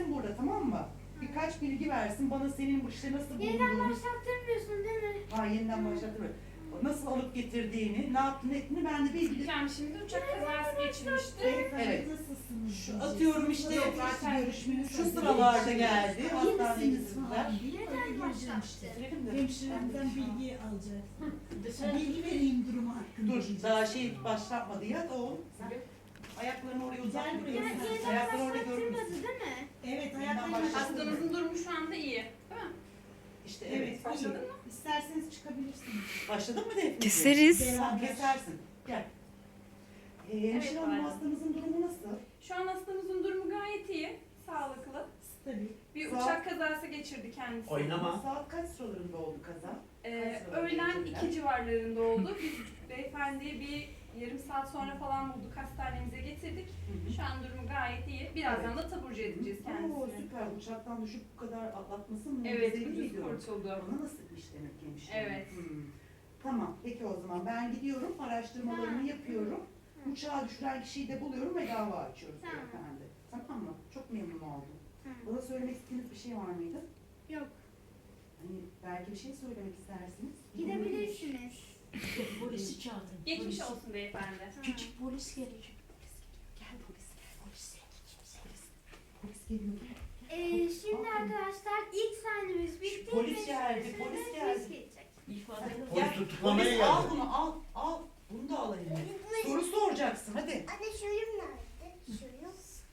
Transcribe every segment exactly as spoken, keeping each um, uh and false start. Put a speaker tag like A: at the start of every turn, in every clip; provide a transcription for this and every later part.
A: beklesin burada, tamam mı? Birkaç bilgi versin bana, senin bu işte nasıl
B: Yeniden
A: bulunduğunu.
B: başlattırmıyorsun değil mi?
A: Ha, yeniden başlattırmıyorum. Nasıl alıp getirdiğini, ne yaptığını ettiğini ben de bilgi.
C: Yani şimdi uçak kazası geçirmişti.
A: Evet.
D: Nasılsınız?
A: Şu atıyorum işte
C: Yok, zaten görüşmeniz
A: şu sıralarda geldi. Hastaneye
D: İyi misiniz
A: gittiler.
D: falan diye
B: Neden
D: böyle gireceğim
B: başlattı?
D: işte.
A: Getirelim de.
D: Hemşiremden bilgi alacağız. Bilgi vereyim durumu hakkında.
A: Dur, daha şey başlatmadı ya da o. Ayaklarını oraya uzat.
D: Gel buraya.
B: Yani yeniden
A: Ayaklarını orada
B: başlattırmadı
A: görmüşsün.
B: değil mi?
D: Evet,
A: Yeniden
D: ayaklarını
A: başlasın.
C: Hastamızın durumu şu anda iyi. Değil mi?
A: İşte
D: Evet,
A: evet.
C: Başladın
D: iyi.
C: mı?
D: İsterseniz çıkabilirsiniz.
A: Başladın mı Defne?
E: Keseriz.
A: Sen kesersin. Gel. Ee, hemşire hanım,
C: Evet,
A: hastamızın durumu nasıl?
C: Şu an hastamızın durumu gayet iyi. Sağlıklı.
D: Stabil.
C: Bir
A: Sağ-
C: uçak kazası geçirdi kendisi.
F: Oynama.
A: Saat kaç sıralarında oldu kaza?
C: Ee,
A: Kaç sıralarında
C: öğlen
A: geçirdiler?
C: iki civarlarında oldu. Biz beyefendiyi bir yarım saat sonra falan bulduk. Hastanemize getirdik.
A: Hı hı.
C: Şu an durumu gayet iyi. Birazdan da taburcu edeceğiz
A: Oo,
C: kendisini.
A: süper. Uçaktan düşüp bu kadar atlatması mı?
C: Evet, ucuz kurtuldu.
A: Ona nasipmiş demek ki hemşire.
C: Evet.
A: Hmm. Tamam, peki o zaman ben gidiyorum, araştırmalarımı
B: Tamam.
A: yapıyorum. Uçağa düşüren kişiyi de buluyorum ve dava açıyoruz
B: Tamam.
A: beyefendi. Tamam mı? Çok memnun oldum.
B: Tamam.
A: Bana söylemek istediğiniz bir şey var mıydı?
B: Yok.
A: Hani belki bir şey söylemek istersiniz.
B: Gidebilirsiniz.
G: Polisi çağırdım.
C: Geçmiş
G: Polis.
C: olsun beyefendi.
G: Küçük polis gelecek.
A: Gel polis, gel polis. Polis, polis geliyor.
B: Ee, şimdi arkadaşlar ilk sahnemiz bitti.
A: Polis
B: ve
A: geldi,
B: şimdi
A: polis
B: polis
A: geldi.
B: gelecek.
G: İfade
F: Polis tutuklamaya
A: Polis al
F: geldi.
A: bunu, al, al. Bunu da al eline. Soru soracaksın, hadi.
B: Anne şuyum nerede? Şuyum.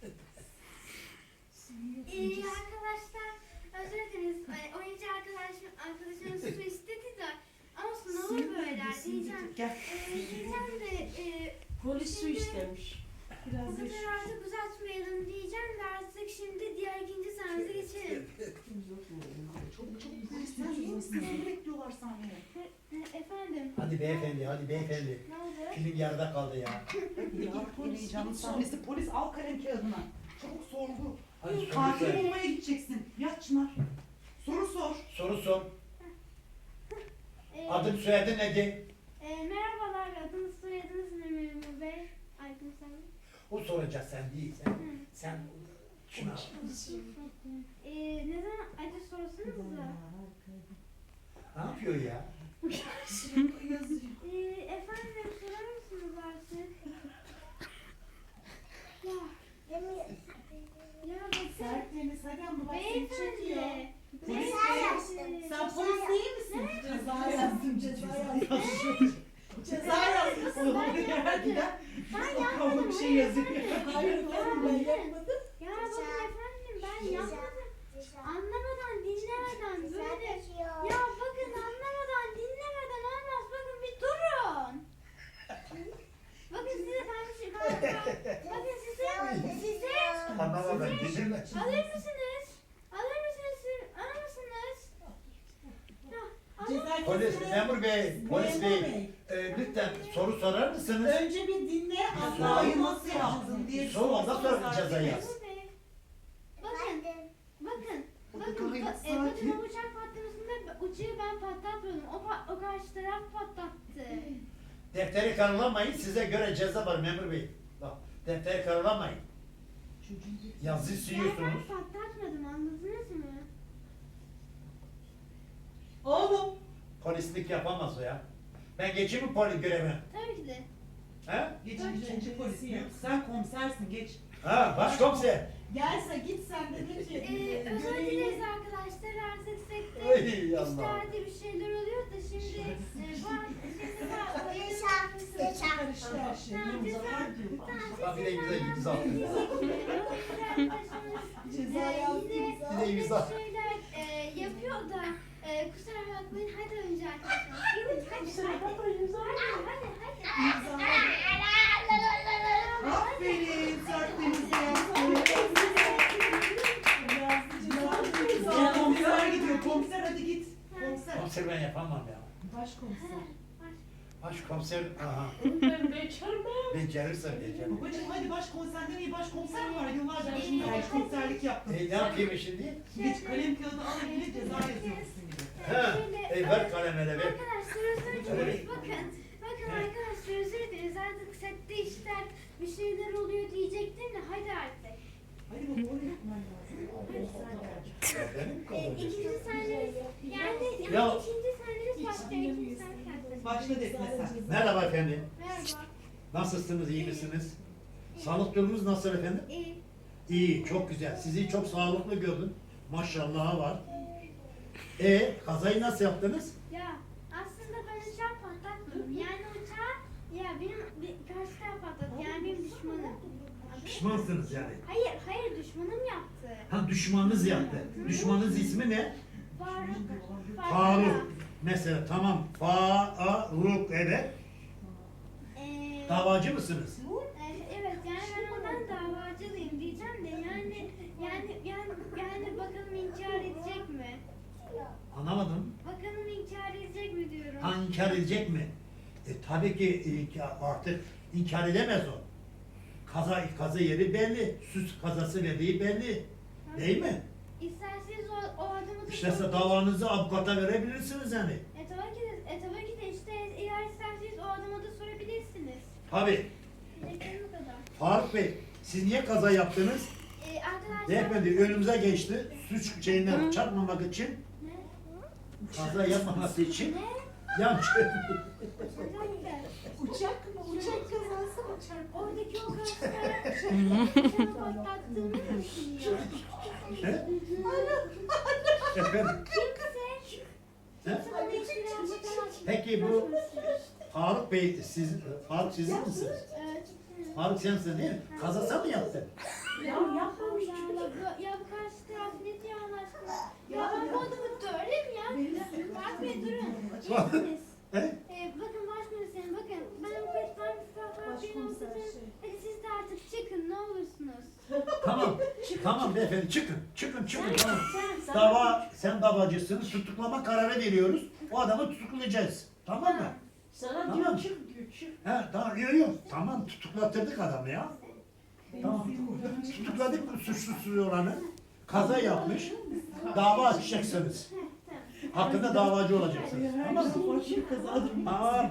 B: Ee, arkadaşlar özür dileriz. Ee, oyuncu arkadaşım, arkadaşımız su istedi de ama sınavı böyle diyeceğim.
A: Gel.
B: Ee, diyeceğim de e,
G: Polis su istemiş.
B: bu
D: Biraz
B: kadar
D: yaş.
B: artık uzatmayalım diyeceğim de artık şimdi diğer ikinci sahnemize geçelim.
A: Çabuk çabuk polisler iyi misin? Seni bekliyorlar sahneye.
B: E, Efendim
F: Hadi beyefendi, hadi beyefendi.
B: ne oldu?
F: Film yarıda kaldı ya.
A: Ya polis heyecanlı sahnesi. Polis al kalem kağıdına. Çabuk sorgu.
F: Hadi
A: Katil
F: soru sor.
A: olmaya gideceksin. Yat Çınar. Soru sor.
F: Soru sor.
B: Ee,
F: Adın soyadın nedir?
B: e, merhabalar adınız soyadınız ne Memur Bey? Aydın sen.
F: O soracak, sen değil. Sen, sen şuna.
B: Ee, ne zaman acı sorsanız da.
F: Ne yapıyor ya?
B: Ee, efendim sorar mısınız artık? Ya. Ya bakın.
D: Sertleriniz hadi ama bak seni çekiyor.
B: Beyefendi.
D: Polis
B: Beyefendi.
D: Sen polis değil misin? Ceza yazdım, ceza yazdım. Ceza yazdım.
A: Olmadı geldiler.
B: Ben
A: Bakalım
B: yapmadım.
A: bir şey yazıyor.
D: Hayır efendim ben yapmadım.
B: Ya bakın efendim ben yapmadım. Anlamadan dinlemeden böyle. Ya bakın anlamadan dinlemeden olmaz. Bakın bir durun. Bakın size ben bir şey bakın size size
F: Anlamadım, dinle.
B: alır mısınız? Alır mısınız? siz- Alır mısınız? Ya, alır
D: Ceza
F: Polis,
D: kesene-
F: memur bey, polis
D: Memur
F: bey. E, lütfen soru sorar mısınız?
D: Önce bir dinle.
A: Hatayı nasıl yaptın diye
F: Sor, ondan sonra ceza yaz.
B: Bakın, bakın,
A: Burada
B: bakın,
A: gayet
B: ba- e, bakın
A: sakin.
B: o uçak patlamasında uçağı ben patlatmadım, o, pa- o karşı taraf patlattı.
F: Defteri karalamayın, size göre ceza var memur bey. Bak, defteri karalamayın. Yazıyı
B: Ya
F: siliyorsunuz.
B: ben patlatmadım, anladınız mı?
A: Oğlum.
F: Polislik yapamaz o ya. Ben geçeyim mi polis görevine?
B: Tabii ki de.
F: He?
A: Geç ikinci polis. Yok, sen komisersin, geç.
F: Ha, başkomiser.
D: Gelse git sen de de ki.
B: Ee, özür dileriz arkadaşlar, artık sekte
F: Ey Allah.
B: işlerde bir şeyler oluyor da şimdi e, bu an şimdi bu
D: Karıştı her şey.
F: Bak bir de imza imza atın.
D: Ceza yazdı.
F: Bir de imza.
B: şeyler e, yapıyor da e, kusura bakmayın hadi önce arkadaşlar. Gidin hadi hadi. Hadi hadi.
A: Aferin, sertlerinizi yaptın.
D: Yazdı.
A: Ya komiser gidiyor. Komiser hadi git. Komiser.
F: Komiser ben yapamam ya.
D: Başkomiser.
F: Başkomiser, aha.
G: Ben bekarım.
F: Becerirsem beceririm.
A: Babacım hadi başkomiserden iyi başkomiser mi var? Yıllarca şimdi başkomiserlik yaptım.
F: E ne yapayım şimdi?
A: Geç kalem kağıdı al eline ceza yazıyorsun gibi.
F: Ha, e ver kalem hele ver.
B: Arkadaşlar özür dileriz. Bakın. Bakın arkadaşlar özür dileriz. Artık sette işler bir şeyler oluyor diyecektim de hadi artık.
A: Hadi baba oraya yapman lazım. başladı etmesen.
F: Merhaba efendim.
B: Merhaba.
F: Nasılsınız, iyi misiniz? Sağlık durumunuz nasıl efendim?
B: İyi.
F: İyi, çok güzel. Sizi çok sağlıklı gördüm. Maşallah var. E kazayı nasıl yaptınız?
B: Ya aslında ben uçağı patlatmadım. Yani uçağı ya benim bir, karşı taraf patlattı. Yani benim düşmanım.
F: Pişmansınız yani.
B: Hayır, hayır düşmanım yaptı.
F: Ha düşmanınız yaptı. Düşmanınız ismi ne?
B: Faruk.
F: Faruk. Mesela tamam. Faruk evet.
B: Ee,
F: Davacı mısınız?
B: e, evet yani ben ondan davacılıyım diyeceğim de yani yani yani yani bakalım inkar edecek mi?
F: Anlamadım.
B: Bakalım inkar edecek mi diyorum.
F: Ha inkar edecek mi? E tabii ki inkar- artık inkar edemez o. Kaza, kaza yeri belli. Süs kazası verdiği belli. Değil mi?
B: İsterseniz o, o adamı da
F: İşte size davanızı avukata verebilirsiniz yani.
B: E tabii ki de, e tabii ki de işte eğer isterseniz o adama da sorabilirsiniz.
F: Tabii.
B: Diyeceklerim bu kadar.
F: Faruk Bey, siz niye kaza yaptınız?
B: E, arkadaşlar...
F: Beyefendi önümüze geçti. Suç şeyinden çarpmamak için,
B: Ne?
F: kaza yapmaması için.
B: Ne?
F: Yan
B: Özellikle.
D: Uçak mı? Uçak kazası mı? Çarpı.
B: Oradaki o kaşlara uçağı patlattığımı mı düşünüyor?
F: He? Efendim,
B: Kimse,
F: he?
B: kimse bana hiçbir yapmadan...
F: Peki bu Faruk Bey, siz, Faruk sizin misiniz?
B: Evet.
F: Faruk sensin değil mi? Kazasa mı yaptın?
G: Ya yapmamış
B: Ya,
G: çocuk.
B: bu- ya bu karşı taraf ne diyor Allah aşkına? Ya ben bu adamı döverim ya. Fark Bey durun. İyisiniz.
F: He?
B: Ee, bakın başkomiserim bakın. Ben avukat ben Fark Bey'in
D: Başkomiser
B: avukatıyım.
D: şey.
B: Hadi siz de artık çıkın ne olursunuz.
F: Tamam, tamam beyefendi çıkın, çıkın, çıkın tamam.
G: Sen,
F: Dava, sen davacısın, tutuklama kararı veriyoruz. O adamı tutuklayacağız. Tamam mı?
G: Sana
F: Tamam.
G: diyor çık diyor çık.
F: He, tamam, yok yok. Tamam, tutuklattırdık adamı ya. Tamam, tutukladık bu suçlusu olanı. Kaza yapmış. Dava açacaksınız.
B: Heh, tamam.
F: Hakkında davacı olacaksınız. Tamam mı?
D: Farklı bir kazadır.
F: Tamam.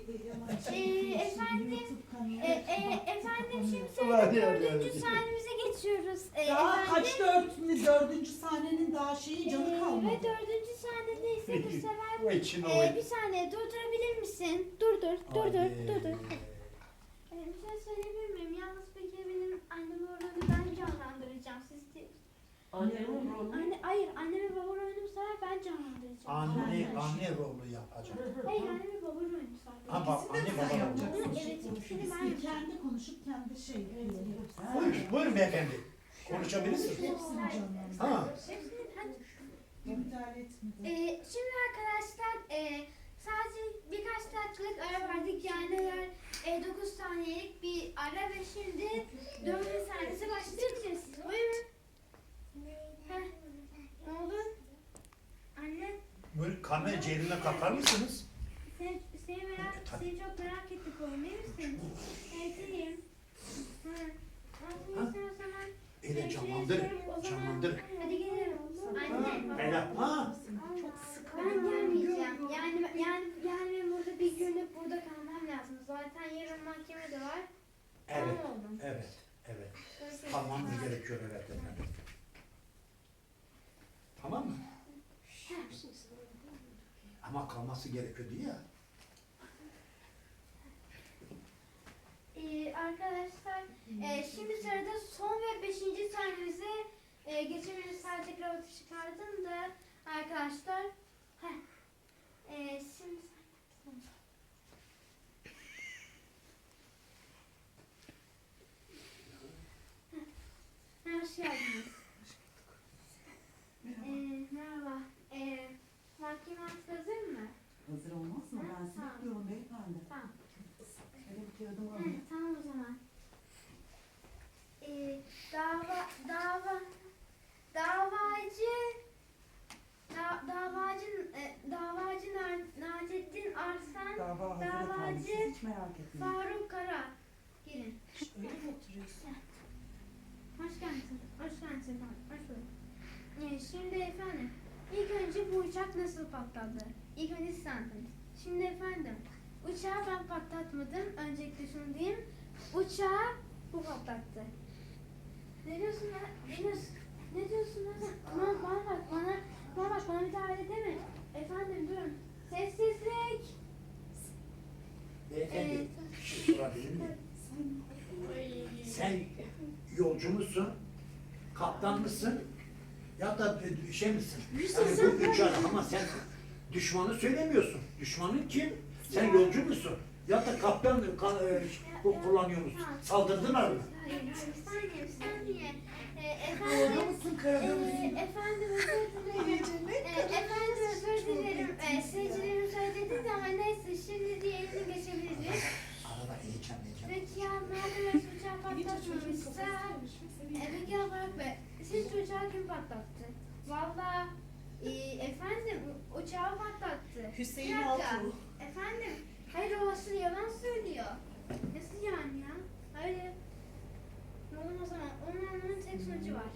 B: Ee, efendim, E, e, efendim şimdi
F: Ulan
B: sırada
F: ya,
B: dördüncü
F: ya.
B: sahnemize geçiyoruz. E,
D: Daha
B: efendim,
D: kaç dört, dördüncü sahnenin daha şeyi canı
B: e,
D: kalmadı.
B: ve dördüncü sahnede ise bu sefer
F: Bu için o.
B: e, bir saniye durdurabilir misin? Dur dur dur dur dur dur. E, bir şey söyleyebilir miyim? Yalnız peki benim annem oğlanı ben canlandıracağım. Siz de...
G: Annemin rolü.
B: Anne, hayır anne ve baba rolünü bu sefer ben canlandıracağım.
F: Anne, anne rolü yapacak.
B: Hayır anne ve baba rolünü sadece.
F: Ha bak, anne baba rolü.
B: Hı, evet ikisini ben yapacağım.
D: Kendi konuşup kendi şey.
F: Buyurun, buyurun beyefendi. Konuşabilirsiniz.
D: Hepsini canlandırıyor.
F: Ha.
B: Hepsini hadi.
D: Müdahale etmedi.
B: Ee, şimdi arkadaşlar e, sadece birkaç dakikalık ara verdik yani eğer e, dokuz saniyelik bir ara ve şimdi dördüncü saniyesi başlayacağız. Buyurun. Heh. Ne oldu? Anne
F: Buyurun, kamera cebine kakar mısınız?
B: seni, seni, merak, seni çok merak ettik oğlum iyi misin? Evet iyiyim. Hı. Nasıl istiyorsan ben
F: Öyle
B: hemşireye
F: canlandır,
B: sorup o zaman-
F: canlandır.
B: Hadi gidelim. Anne.
F: Beyler, ha.
B: Çok ben gelmeyeceğim. Yani yani yani benim burada bir günlük burada kalmam lazım. Zaten yarın mahkeme de var.
F: Evet,
B: Tamam oğlum.
F: evet, evet.
B: Görüşürüz.
F: Kalmamız gerekiyor evet efendim. Tamam mı? Ama kalması gerekiyordu ya.
B: Ee, arkadaşlar e, şimdi sırada son ve beşinci sahnemize e, geçebiliriz. Sadece kravatı çıkardım da arkadaşlar. Heh. E, şimdi Heh. Hoş geldiniz. Ee, merhaba. Ee, mahkeme artık hazır mı?
A: Hazır olmaz mı? Ben sizi
B: Tamam.
A: bekliyorum beyefendi.
B: Tamam.
A: Şöyle bir kağıdımı
B: Heh,
A: alayım.
B: tamam o zaman. Ee, dava, dava, davacı, da, davacı, e, davacı Nar- Nacettin Arslan,
A: Dava hazır efendim.
B: davacı
A: Siz hiç merak etmeyin.
B: Faruk Kara. Gelin.
D: Öyle mi oturuyorsun?
B: Hoş geldin. Hoş geldin efendim. Hoş bulduk. Ee, şimdi efendim, ilk önce bu uçak nasıl patladı? İlk önce siz anlatın. Şimdi efendim, uçağı ben patlatmadım. Öncelikle şunu diyeyim. Uçağı bu patlattı. Ne diyorsun lan? Ne diyorsun? Ne diyorsun lan? Bana, bana bak, bana, bana bak, bana müdahale deme. Efendim durun. Sessizlik.
F: musun? Kaptan mısın? Ya da şey misin? Yani bu üç ara ama sen düşmanı söylemiyorsun. Düşmanın kim? Sen yolcu musun? Ya da kaptan ka- e, bu kullanıyor musun? Saldırdılar mı?
B: Hayır, hayır, bir saniye, bir saniye. Ee,
D: Orada
B: efendim,
D: mısın, karada
B: ee,
D: mısın?
B: efendim özür dilerim. Ee, efendim özür dilerim. Ee, seyircilerim söyledi de ama neyse şimdi diğerini geçebiliriz.
F: Arada heyecan heyecan.
B: Peki ya madem uçağı patlatmamışsa, e, peki ya Burak Bey, siz uçağı kim patlattı? Valla e, efendim uçağı patlattı.
D: Hüseyin
B: Bir dakika.
D: Altuğ.
B: Efendim, hayır o asıl yalan söylüyor. Nasıl yani ya? Hayır. Oğlum o zaman onun anlamının tek sonucu var.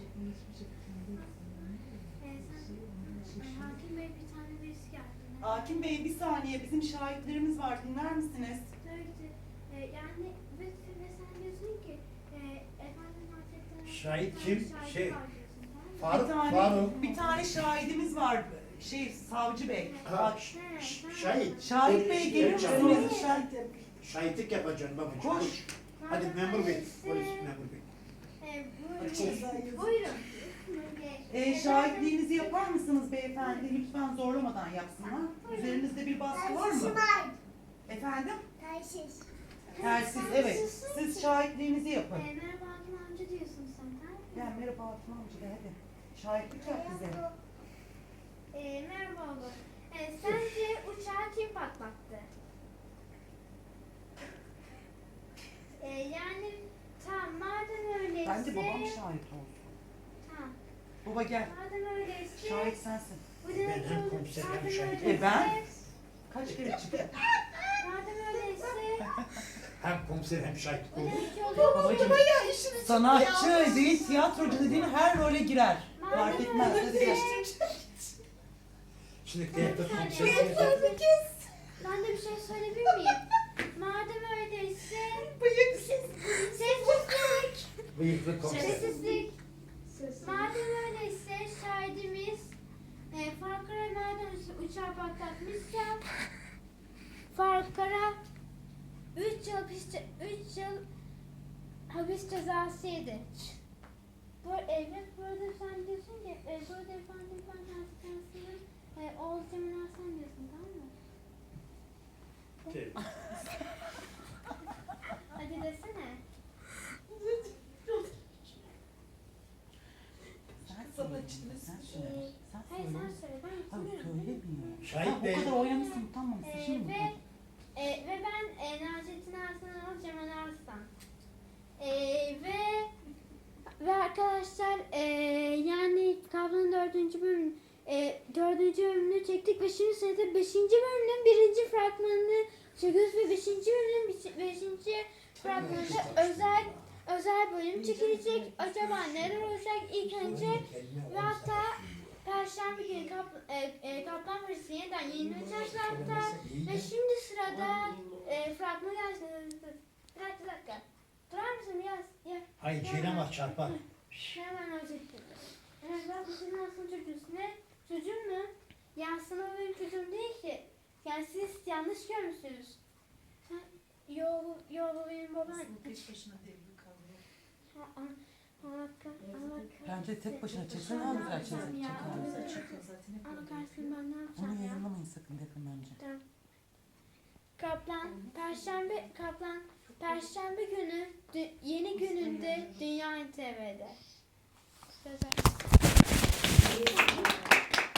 B: Ee, sen, Ay, Hakim Bey bir tane birisi geldi.
A: Hakim Bey bir saniye bizim şahitlerimiz var dinler misiniz?
B: Söyledi. Ee, yani ve, ve sen diyorsun ki e, efendim Hazretleri
F: Şahit
B: bir
F: kim?
B: tane şahit
F: Şey,
B: var diyorsun, tamam mı?
F: Faruk,
A: bir tane,
F: Faruk.
A: bir tane şahidimiz var. Şey savcı bey.
F: Ha, ş- ş- şahit.
A: Şahit Bey,
F: Polis-
A: geliyor
F: şahit-
A: musunuz?
D: Şahit yap.
F: Şahitlik yapacaksın babacığım.
A: Koş.
F: Hadi
B: Madem
F: memur bey.
B: öyleyse,
F: Polis memur bey.
B: E,
D: Bak, ceza
B: buyurun.
D: yazıyor.
B: Buyurun.
A: Ee, şahitliğinizi yapar mısınız beyefendi? Lütfen zorlamadan yapsınlar. Üzerinizde bir baskı var mı? Efendim? Telsiz, evet. Siz şahitliğinizi
B: E,
A: yapın.
B: merhaba Hakim amca diyorsun sen, tamam mı?
A: Gel merhaba Hakim amca gel hadi. Şahitlik yap bize.
B: E, merhaba oğlum. E, sence uçağı kim patlattı? E, yani tamam madem öyleyse.
A: Bence babam şahit olsun.
B: Tamam.
A: Baba gel.
B: Madem öyleyse.
A: Şahit sensin.
B: Bu
F: Ben
B: demek
F: hem
B: olur.
F: komiser hem
B: Madem
F: şahit.
B: öyleyse-
A: E ben? Kaç kere çıktı?
B: Madem öyleyse.
F: Hem komiser hem şahit.
B: Bu
F: Olur.
B: demek olur.
A: Babacığım sanatçı değil tiyatrocu dediğin her role girer. Fark etmez. Hadi gel.
F: Şimdi devlet komiser.
B: Ben de bir şey söyleyebilir miyim? Madem öyleyse. Sessizlik.
F: Bıyıklı komiser.
B: Sessizlik. Madem öyleyse şahidimiz e, Farkara madem uçağı patlatmışsa Farkara üç yıl hapis, üç yıl hapis cezası yedi. Bu evet burada sen diyorsun ki e, burada efendim ben hastanesinin e, oğul Cemil Hasan diyorsun, tamam mı?
F: Evet.
B: Hadi desene.
A: Sen
D: Sana
A: söyle.
D: içinde
A: Sen
B: Ee,
A: söyle. Sen
B: hayır
A: söyle.
B: sen söyle, ben
A: Hayır
B: hatırlıyorum.
A: söylemiyor.
F: Şahit
A: Ha,
F: Bey.
A: o kadar oynamışsın utanmamışsın
B: Ee,
A: şimdi
B: ve,
A: utan.
B: e, ve ben e, Nacetin Arslan oğlu Cemal Arslan. E, ve ve arkadaşlar e, yani Kavlanın dördüncü bölüm e, dördüncü bölümünü çektik ve şimdi sırada beşinci bölümün birinci fragmanını çekiyoruz ve beşinci bölümün beşi- beşinci fragmanında özel özel bölüm çekilecek. Acaba neler olacak ilk önce ve hatta Perşembe günü kap, e, e, Kaplan Polisi yeniden yayınlanacak hatta ve şimdi sırada e, fragman gelsin. Bir dakika, bir dakika. Durar mısın biraz? Ya,
F: Hayır Ceylan var çarpar.
B: hemen özetledim. Evet bak bu senin aslında çocuğusun. Ne? Çocuğun mu? Ya aslında o benim çocuğum değil ki. Yani siz yanlış görmüşsünüz. Sen, yo, bu- yo bu benim babam.
D: Peş başına devri kalıyor.
B: Ha, an- Allah kah- Allah
A: Bence tek başına
B: kahretsin.
A: çeksen
B: Ben
A: daha
B: ne
A: güzel
B: yapacağım
A: çeker.
B: ya?
A: çeker.
D: Bize çıkıyor zaten. hep
B: Allah
D: öyle
B: kahretsin
D: yapıyor.
B: ben ne
A: Onu
B: yapacağım ya?
A: yayınlamayın sakın deprem önce.
B: Tamam. Kaplan, Perşembe, Kaplan, Perşembe günü, dü- yeni gününde Dünya T V'de. Söz ver.